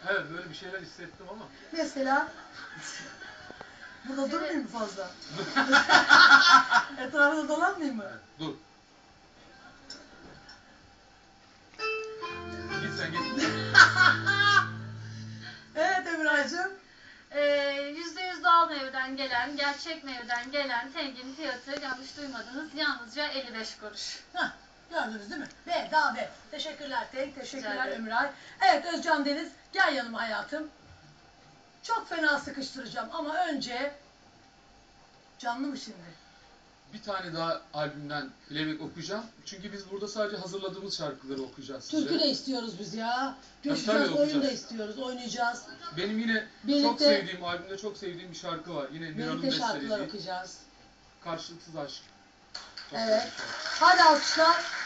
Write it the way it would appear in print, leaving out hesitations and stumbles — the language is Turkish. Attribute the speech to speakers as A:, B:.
A: Evet, böyle bir şeyler hissettim ama.
B: Mesela burada durmayayım mı fazla? Etrafında dolanmayayım mı?
A: Evet, dur. Git sen git.
B: Evet Emrah'cığım.
C: %100 doğal meyveden gelen, gerçek meyveden gelen tengin fiyatı yanlış duymadınız yalnızca 55 kuruş.
B: Hah, gördünüz değil mi? Bedava. Teşekkürler Tenk, teşekkürler
C: ederim.
B: Ömray. Evet Özcan Deniz, gel yanıma hayatım. Çok fena sıkıştıracağım ama önce... Canlı mı şimdi?
A: Bir tane daha albümden playback okuyacağım. Çünkü biz burada sadece hazırladığımız şarkıları okuyacağız size.
B: Türkü de istiyoruz biz ya.
A: Tabii,
B: Coşacağız, oyun da
A: okuyacağız.
B: istiyoruz, oynayacağız.
A: Benim yine çok sevdiğim, albümde çok sevdiğim bir şarkı var. Yine Niran'ın
B: Birlikte şarkılar
A: bestelediği.
B: okuyacağız.
A: Karşılıksız Aşk. Çok
B: Evet.
A: güzel bir şarkı.
B: Hadi alkışlar.